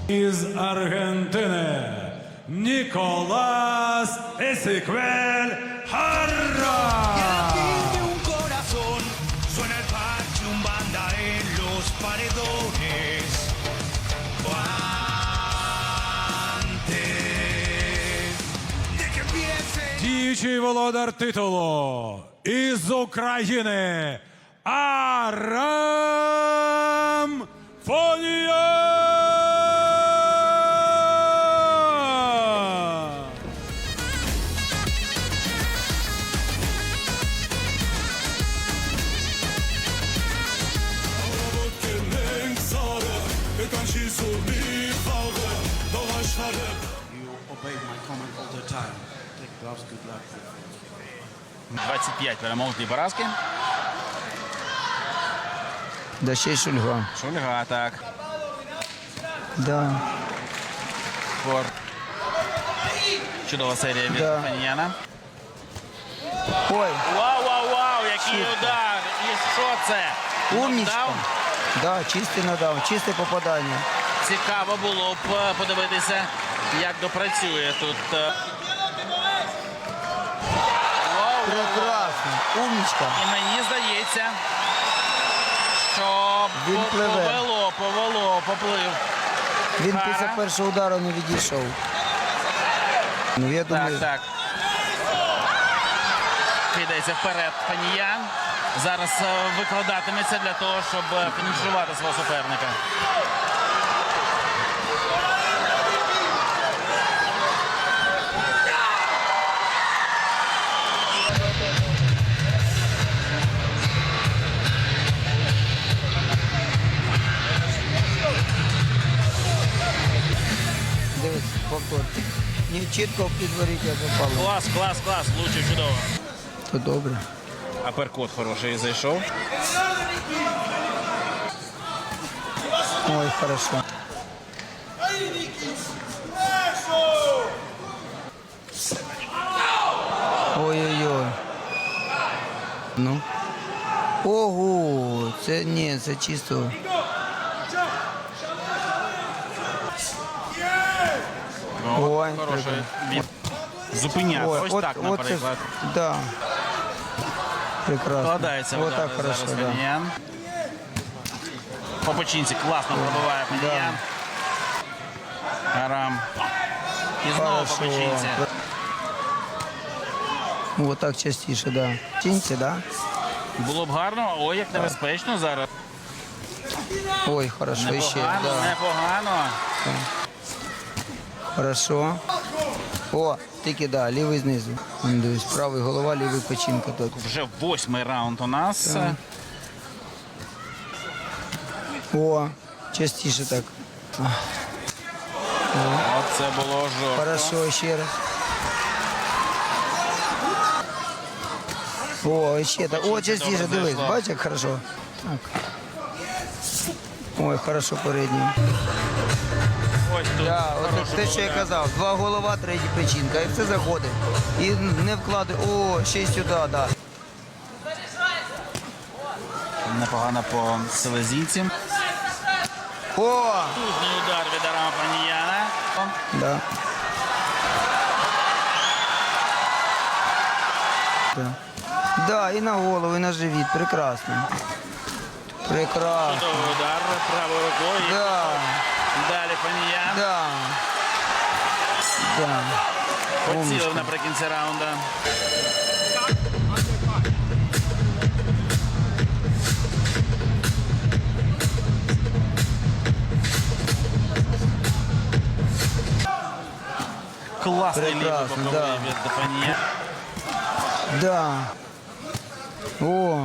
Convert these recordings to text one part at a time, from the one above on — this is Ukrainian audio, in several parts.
Із Аргентини Ніколас Есеквель Харра. Tiene un corazón, suena el parche, un banda en los paredones. Antes de que empiece. Діючий володар титулу із України Арам Фонія. You obey my command all the time. Take gloves, good luck. 25 перемог, 2 поразки. Да ще й Шульга. Шульга, так. Да. Фор. Чудова серія від Да. Фаніяна. Ой, Вау, який удар! І що це? умнічка. Нокдаун? Да, чистий нокдаун, чисте попадання. Цікаво було б подивитися, як допрацює тут. Вау. Прекрасно. Умнічка. І мені здається, що Він пливе. поплив. Він Хара. після першого удару не відійшов. Ну, я думаю, Так. Кидається вперед Фаніян. Зараз викладатиметься для того, щоб фінішувати свого суперника. дивись, повтор. Не чітко підворіття попало. Клас, влучив чудово. То добре. Аперкот хороший зайшов. Ой, хорошо. Ой-ой-ой. Ну. Ого, це ні, це чисто. Ой, Хороший від. Зупиняв. Ось так, це, наприклад. да. Прекрасно. Вкладається в Вот удари так хорошо, зараз да. Фаніян. По печінці класно пробиває Фаніян. Арам. І знову по печінці. Вот так частіше, да. Чинці, да? Було б гарно, ой, як небезпечно зараз. Ой, хорошо, ще, Непогано, да. непогано. Хорошо. О, тільки, да, лівий знизу. Вон, дивись, правий голова, лівий печінка тут. Вже 8-й раунд у нас. Так. О, частіше так. Оце було жорстко. Хорошо, ще раз. О, ще так. О, частіше, Добре дивись, зайшло. бачиш, як хорошо. Так. Ой, хорошо передній. Ось тут. Да, хороший от те, що я удар. казав, 2 голова, 3 печінка, і все заходить. І не вкладає, о, ще й сюди, да. Непогано по селезінці. О, Тужний удар від Арама Фаніяна. да. Да. Да, і на голову, і на живіт, прекрасно. Прекрасно. Чудовий удар правою рукою. Да, Далі Фаніян. да. Да. Поцілив Умничка. наприкінці раунду. Класний лівий Прекрасно, боковий да. від Фаніяна. Да. О.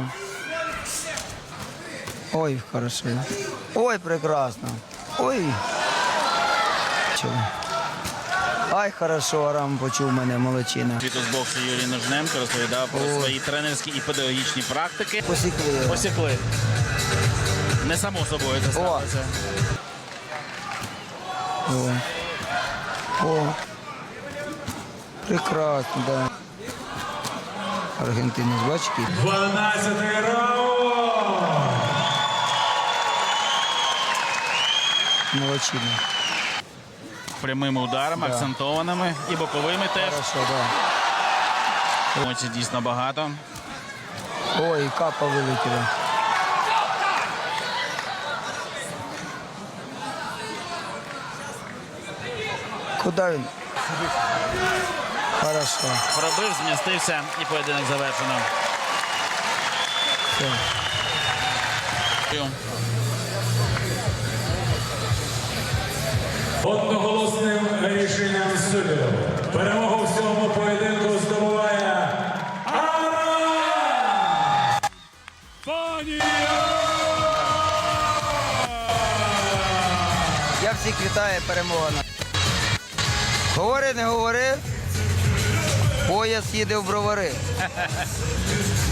Ой, хорошо. Ой, прекрасно. Ой. Чого? Ай, хорошо, Арам почув мене, молодчина. Світу з боксу Юрій Ножненко розповідав про О. свої тренерські і педагогічні практики. Посікли його. Посікли. Не само собою це сталося. О. О. Прекрасно, да. Аргентинець, бачите? 12-й раунд. Молодчина. прямими ударами, акцентованими і боковими теж. Хорошо, да. Емоцій дійсно багато. Ой, капа вилетіла. Куди він? Хорошо. Пробив, змістився і поєдинок завершено. Все. Одноголосним рішенням суддів перемогу в цьому поєдинку здобуває Арам Фонія! Я всіх вітаю, перемога. Говори, не говори. Пояс їде в бровари.